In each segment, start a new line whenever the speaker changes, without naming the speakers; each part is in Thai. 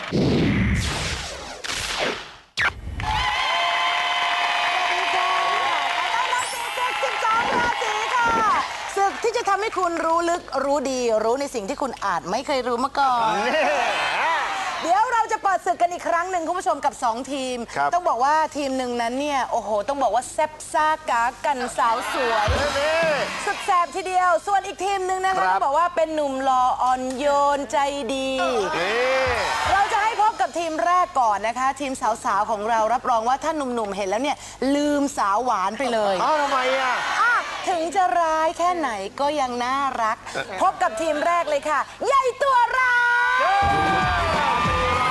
ศึกที่จะทำให้คุณรู้ลึกรู้ดีรู้ในสิ่งที่คุณอาจไม่เคยรู้มาก่อนเดี๋ยวเราจะเปิดศึกกันอีกครั้งหนึ่งคุณผู้ชมกับ2ทีมต้องบอกว่าทีมหนึ่งนั้นเนี่ยโอ้โหต้องบอกว่าแซ่บซ่ากากันสาวสวยสุดแสบทีเดียวส่วนอีกทีมหนึ่งนะคะต้องบอกว่าเป็นหนุ่มหล่ออ่อนโยนใจดีเราจะให้พบกับทีมแรกก่อนนะคะทีมสาวๆของเรารับรองว่าถ้าหนุ่มๆเห็นแล้วเนี่ยลืมสาวหวานไปเลย
ทำไมอ่ะ
ถึงจะร้ายแค่ไหนก็ยังน่ารักพบกับทีมแรกเลยค่ะใหญ่ตัวร้าย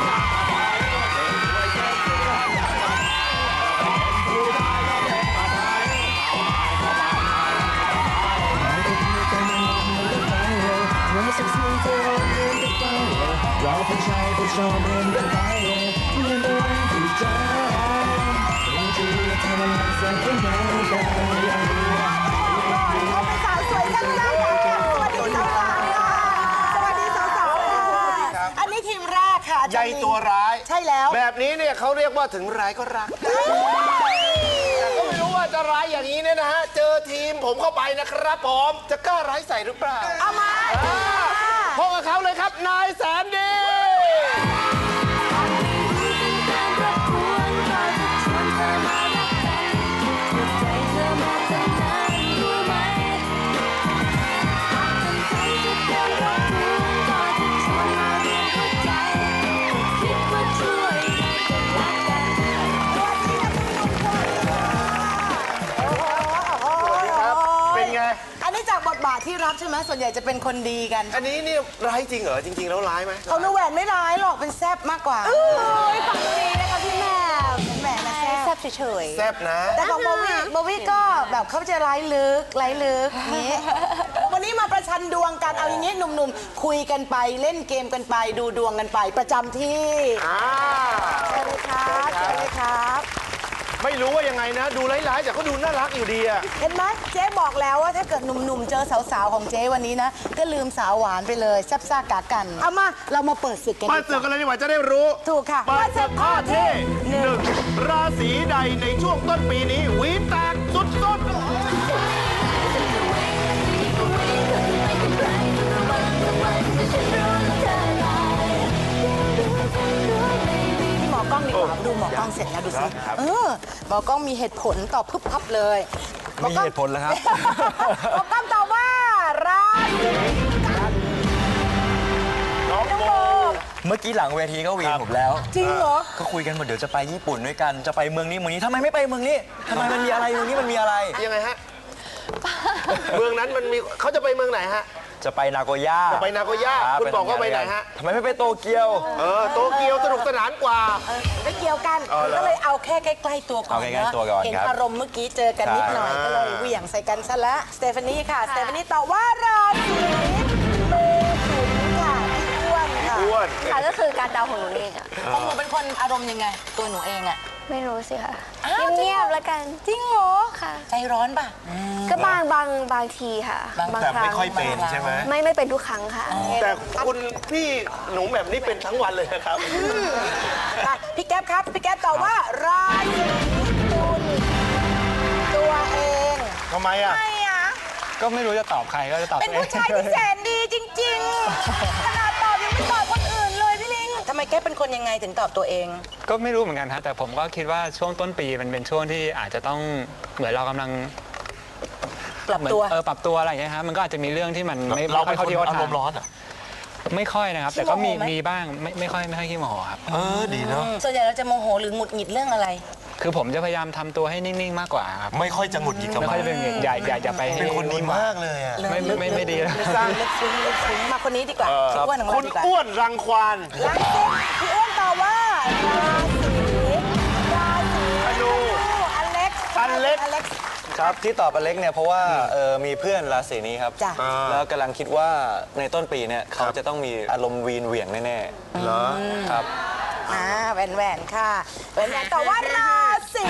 เราผู้ชายผู้ชอบเรียนกันไปเรียนไปวันที่ใจเราจะรู้ทำอะไรสักแค่ไหนได้ยัง
เขาเป็นสาวสวยจังเลยสวัสดีสาวๆค่ะอันนี้ทีมแรกค่ะ
ใหญ่ตัวร้าย
ใช่แล้ว
แบบนี้เนี่ยเขาเรียกว่าถึงร้ายก็รักแต่ก็ไม่รู้ว่าจะร้ายอย่างนี้เนี่ยนะฮะเจอทีมผมเข้าไปนะครับผมจะกล้าร้ายใส่หรือเปล่า
เอามา
พบกับเขาเลยครับนายแสนดี
บทบาทที่รับใช่ไหมส่วนใหญ่จะเป็นคนดีกัน
อันนี้นี่ร้ายจริงเหรอจริงๆแล้วร้ายไหม
เขาแหวนไม่ร้ายหรอกเป็นแซบมากกว่า
ฝังดีนะคะพี่แม่
แหวนนะ
แซบเฉย
แซบนะ
แต่ของโบวี่ก็แบบเขาจะร้ายลึกนี้วันนี้มาประชันดวงกันเอาอย่างนี้หนุ่มๆคุยกันไปเล่นเกมกันไปดูดวงกันไปประจำที่เชิญเลยครับเชิญเลยครับ
ไม่รู้ว่ายังไงนะดูร้ายๆแต่ก็ดูน่ารักอยู่ดีอะ
เห็นไหมเจ๊บอกแล้วว่าถ้าเกิดหนุ่มๆเจอสาวๆของเจ๊วันนี้นะก็ลืมสาวหวานไปเลยแซ่บซ่ากากันเอามาเรามาเปิดศึกกัน
เปิดศึกกันเลยดีกว่าจะได้รู้
ถูกค่ะ
เปิดศึกข้อที่1ราศีใดในช่วงต้นปีนี้หวีแตกสุดๆ
กล้องดีกว่าดูหมอกล้องเสร็จแล้วดูสิหมอกล้องมีเหตุผลตอบพึบพับเลย
มีเหตุผลแล้วครับ
หมอกล้องตอบว่าราศีกัน
น้องโบเมื่อกี้หลังเวทีก็วีนผมแล้ว
จริงเหรอ
ก็คุยกันหมดเดี๋ยวจะไปญี่ปุ่นด้วยกันจะไปเมืองนี้ทำไมไม่ไปเมืองนี้ทำไมมันมีอะไรเมืองนี้มันมีอะไร
ยังไงฮะเมืองนั้นมันมีเขาจะไปเมืองไหนฮะ
จะไปนาโกย่า
คุณบอกว่าไปไหนฮะ
ทำไมไม่ไปโตเกียว
โตเกียวสนุกสนานกว่า
ไม่เกี่ยวกันก็เลยเอาแค่ใกล้ๆตัวก่อนเห็นอารมณ์เมื่อกี้เจอกันนิดหน่อยก็เลยเหวี่ยงใส่กันซะแล้วสเตฟานีค่ะสเตฟานีตอบว่าราศีเมถุนค่ะอ้วน
ค่ะก็คือการเดาของหนูเองอะ
ของหนูเป็นคนอารมณ์ยังไงตัวหนูเองอะ
ไม่รู้สิค่ะเงียบๆแล้วกัน
จริงเหรอ
ค่ะ
ใจร้อนป่ะ
ก็บางทีค่ะ
แต่ไม่ค่อยเป็นใช่ไหม
ไม่เป็นทุกครั้งค่ะ
แต่คุณพี่หนูแบบนี้เป็นทั้งวันเลยนะครับ
พี่แก๊ปครับพี่แก๊ปตอบว่าราศีตุลตัวเอง
ทำไมอ่ะ
ก็ไม่รู้จะตอบใครก็จะตอบ
เป็นผู้ชายที่แสนดีจริงๆขนาดตอบยังไม่ตอบคนอื่นเลยพี่ลิงทำไมแก๊ปเป็นคนยังไงถึงตอบตัวเอง
ก็ไม่รู้เหมือนกันครับแต่ผมก็คิดว่าช่วงต้นปีมันเป็นช่วงที่อาจจะต้องเหมือนเรากำลัง
ปรับ
ตัวอะไรอย่างเงี้ยครับมันก็อาจจะมีเรื่องที่มันไม่
เราเป็นคนอารมณ์ร้อนอ่ะ
ไม่ค่อยนะครับแต่ก็มีบ้างไม่ค่อยขี้โมโหครับ
ดีเนาะ
ส่วนใหญ่เราจะโมโหหรือหงุดหงิดเรื่องอะไร
คือผมจะพยายามทำตัวให้นิ่งๆมากกว่าครับ
ไม่ค่อยจะหงุดหงิดกับ
ไม่ค่อยจะเป็นอย่าไป
เป็นคนดีมากเลยอ่ะ
ไม่ดี
เลยลึกซึ้งมาคนนี้ดีกว่า
คุณอ้วนรังควาน
พี่อ้วนตอบว่าราศีธนูอเล็ก
ครับที่ตอบอเล็กเนี่ยเพราะว่ามีเพื่อนราศีนี้ครับแล้วกำลังคิดว่าในต้นปีเนี่ยเขาจะต้องมีอารมณ์วีนเหวี่ยงแน่
ๆเหรอ
ครับ
แหวนค่ะแหวนแต่ว่าราศี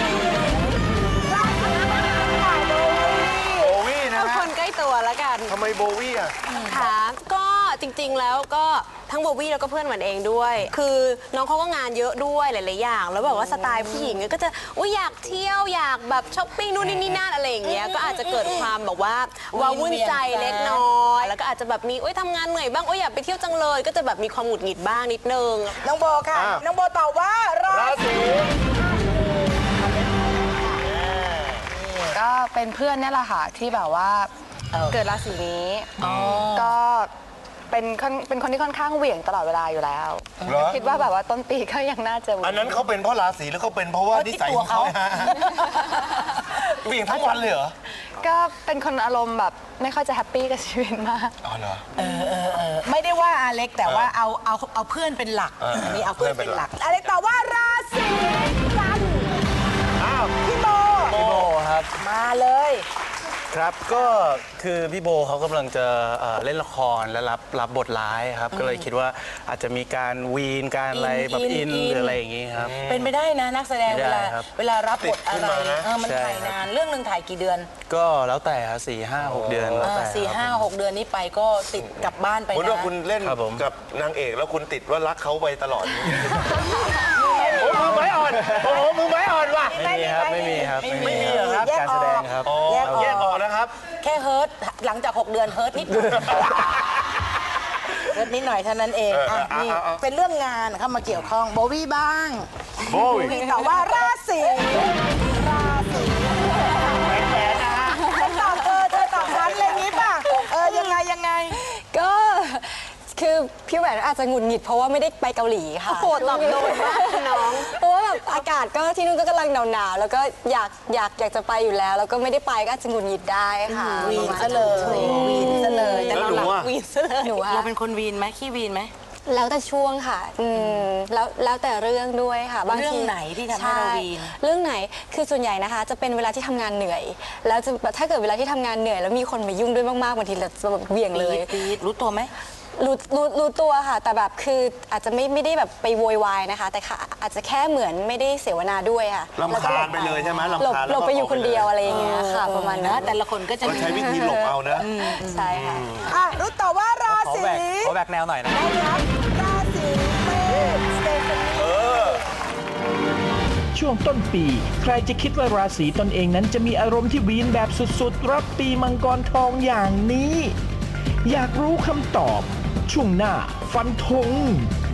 โบวี่นะฮะ
คนใกล้ตัวแล้วกัน
ทำไมโบวี่อ่ะ
ค่ะก็จ
ริงๆแล้วก็ทั้งโบวี่แล้วก็เพื่อนหวานเองด้วย คือน้องเขาก็งานเยอะด้วยหลายๆอย่างแล้วแบบว่าสไตล์ผู้หญิงก็จะอยากเที่ยวอยากแบบช้อปปิ้งนู่นนี่นั่นอะไรอย่างเงี้ยก็อาจจะเกิดความแบบว่าวุ่นใจเล็กน้อยแล้วก็อาจจะแบบมีทำงานเหนื่อยบ้างอยากไปเที่ยวจังเลยก็จะแบบมีความหงุดหงิดบ้างนิดนึง
น้องโบค่ะ น้องโบตอบว่าราศี
ก็เป็นเพื่อนเนี่ยแหละค่ะที่แบบว่าเกิดราศีนี้ก็เป็นคนที่ค่อนข้างเหวี่ยงตลอดเวลาอยู่แล้ว
เหรอ
คิดว่าแบบว่าต้นปีก็ยังน่าจะ
อันนั้นเขาเป็นเพราะราศีหรือเขาเป็นเพราะว่านิสัยของเขาเบี่ยงทั้งวันเลยเหรอ
ก็เป็นคนอารมณ์แบบไม่ค่อยจะแฮปปี้กับชีวิตมาก
อ๋อเหรอ
ไม่ได้ว่าอาเล็กแต่ว่าเอาเพื่อนเป็นหลักอันนี้เอาเพื่อนเป็นหลักอาเล็กตอบว่าราศีกันพี่โบ
พี่โบครับ
มาเลย
ครับก็คือพี่โบเขากำลังจะเล่นละครและรับบทร้ายครับก็เลยคิดว่าอาจจะมีการวีนการอะไรแบบอินหรืออะไรอย่างงี้ครับ
เป็นไปได้นะนักแสดง
ไม่
เว
ได้
ลา
ครับ
เวลารับบทอะไร
ติดขึ้นมานะ
มัน
ใช่
ถ่าย
ครับ
นานเรื่องหนึ่งถ่ายกี่เดือน
ก็แล้วแต่ครับ4-5-6 เดือนแล้วแต่
สี่
ครับ
ห้าหกเดือนนี้ไปก็ติดกลับบ้านไป
คุณ
นะ
ว่าคุณเล่น
ครับผม
กับนางเอกแล้วคุณติดว่ารักเขาไปตลอดโอ้มือไม้อ่อนโอ้โหมือไม้อ่อนว่ะ
ไม่มีครับไม่มีครับ
ไม่มีเหรอครับ
การแสดงครับ
อ๋อแยกออกนะครับ
แค่เฮิร์ตหลังจาก 6 เดือนเฮิร์ตนิดหน่อยเฮิร์ตนิดหน่อยเท่านั้นเองนี่เป็นเรื่องงานเข้ามาเกี่ยวข้องโบวี่บ้าง
โบวี่
ตอบว่าราศีฉันตอบเธอตอบฉันอะไรอย่างนี้ป่ะยังไง
ก็คือพี่แหวนอาจจะหงุดหงิดเพราะว่าไม่ได้ไปเกาหลีค่ะโหตอบโดนมากน้องเพราะว่าแบบอากาศก็ที่นู่นก็กำลังหนาวๆแล้วก็อยากจะไปอยู่แล้วแล้วก็ไม่ได้ไปก็อาจจะหงุดหงิดได้ค่ะ
วีนซะเลยวีนซะเลยแต่เรา
แล้วหนูอะ
วีนซะเลย
หนูอะ
เราเป็นคนวีนไหมขี้วีนไหม
แล้วแต่ช่วงค่ะแล้วแต่เรื่องด้วยค่ะบางที
เรื่องไหนที่ทำให้เราวีน
ใช่เรื่องไหนคือส่วนใหญ่นะคะ จะเป็นเวลาที่ทำงานเหนื่อย แล้วจะถ้าเกิดเวลาที่ทำงานเหนื่อยแล้วมีคนมายุ่งด้วยมากๆบางทีเราจะแบบเหวี่ยงเลย
ปี๊ดรู้ตัวไหม
รู้ตัวค่ะ แต่แบบคืออาจจะไม่ได้แบบไปโวยวายนะคะ แต่ค่ะอาจจะแค่เหมือนไม่ได้เสวนาด้วยค่ะ
รำคาญไปเลยใช่ไหมรำคาญ
หลบไปอยู่คนเดียวอะไรอย่างเงี้ยค่ะ ประมาณนั้น
แต่ละคนก็จะ
ก็ใช้วิธีหลบเอานะ
ใช่ค่ะ
รู้ต่อว่ารา
ขอ
ศี
แบกแนวหน่อยนะ
นะครับราศีเมษสเตฟานี
ช่วงต้นปี ใครจะคิดว่าราศีตนเองนั้นจะมีอารมณ์ที่วีนแบบสุดๆ รับปีมังกรทองอย่างนี้ อยากรู้คำตอบ ช่วงหน้าฟันธง